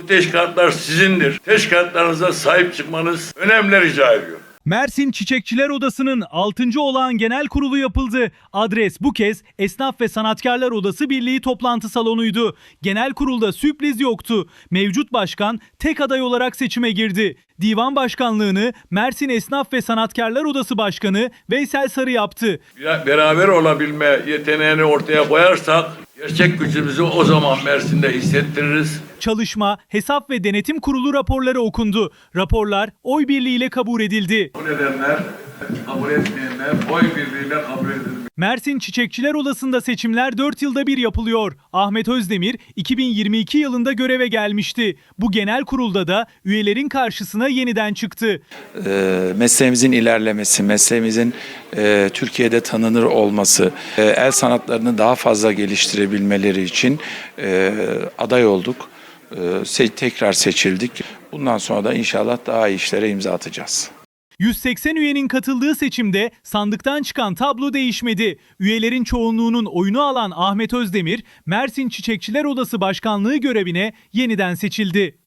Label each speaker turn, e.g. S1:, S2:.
S1: teşkilatlar sizindir. Teşkilatlarınıza sahip çıkmanız önemli rica ediyorum.
S2: Mersin Çiçekçiler Odası'nın 6. olağan genel kurulu yapıldı. Adres bu kez Esnaf ve Sanatkarlar Odası Birliği toplantı salonuydu. Genel kurulda sürpriz yoktu. Mevcut başkan tek aday olarak seçime girdi. Divan başkanlığını Mersin Esnaf ve Sanatkarlar Odası Başkanı Veysel Sarı yaptı.
S1: Beraber olabilme yeteneğini ortaya koyarsak gerçek gücümüzü o zaman Mersin'de hissettiririz.
S2: Çalışma, Hesap ve Denetim Kurulu raporları okundu. Raporlar oy birliğiyle kabul edildi.
S1: Bu nedenler kabul etmeyenler oy birliğiyle kabul edilmiş.
S2: Mersin Çiçekçiler Odası'nda seçimler 4 yılda bir yapılıyor. Ahmet Özdemir 2022 yılında göreve gelmişti. Bu genel kurulda da üyelerin karşısına yeniden çıktı.
S3: Mesleğimizin ilerlemesi, mesleğimizin Türkiye'de tanınır olması, el sanatlarını daha fazla geliştirebilmeleri için aday olduk. Tekrar seçildik. Bundan sonra da inşallah daha iyi işlere imza atacağız.
S2: 180 üyenin katıldığı seçimde sandıktan çıkan tablo değişmedi. Üyelerin çoğunluğunun oyunu alan Ahmet Özdemir, Mersin Çiçekçiler Odası Başkanlığı görevine yeniden seçildi.